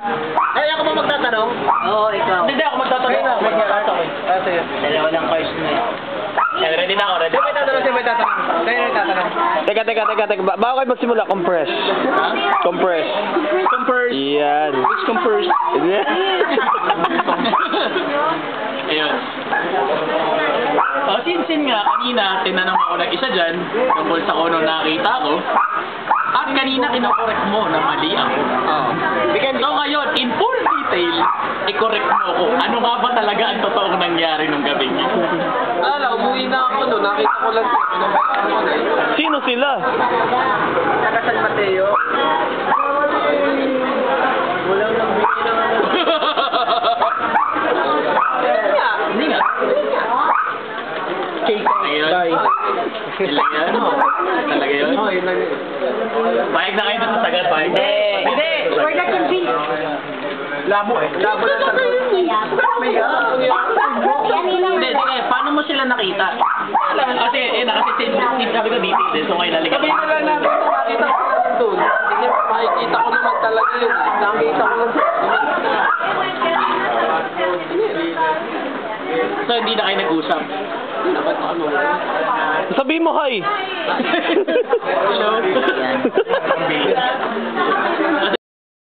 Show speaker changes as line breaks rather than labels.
Ay, ako ba magtatanong?
Oo, ikaw.
Hindi ako magtatanong. Sige.
Dalawa lang cards na eh.
Ready na ako, ready. Sino may tatanong? Sino may tatanong? Sino may tatanong?
Teka. Bago kayo magsimula, compress. Compress.
Compress.
Yan.
Which compress?
Ayun. Since nga, kanina, tinanong ako ng isa dyan, tungkol sa kung ano nakita ko, at kanina kinokorek mo na mali ako. So ngayon, in full detail, i-correct mo ako. Ano nga ba talaga ang totoong nangyari nung gabi niyo?
Umuwi na ako no. Nakita ko lang sila.
Sino sila?
Taga San Mateo. Walang nagbigay ng ano.
Hindi nga. Ayun. Sila yan? Talaga yun?
Oo, yun lang.
Pahig na kayo na sa sagat, pahig.
Hindi!
We're not convinced.
Labo eh. Labo lang sa
Hindi, sige, paano mo sila nakita? Kasi, sabi ko dito din, so ngayon nalikat.
Sabihin na lang natin kung nakita ko lang doon. Sige, makikita ko naman talaga yun. Nakita ko lang
So, hindi na kayo nag-usap.
dapat ano.
Sabihin mo hi.
Hello.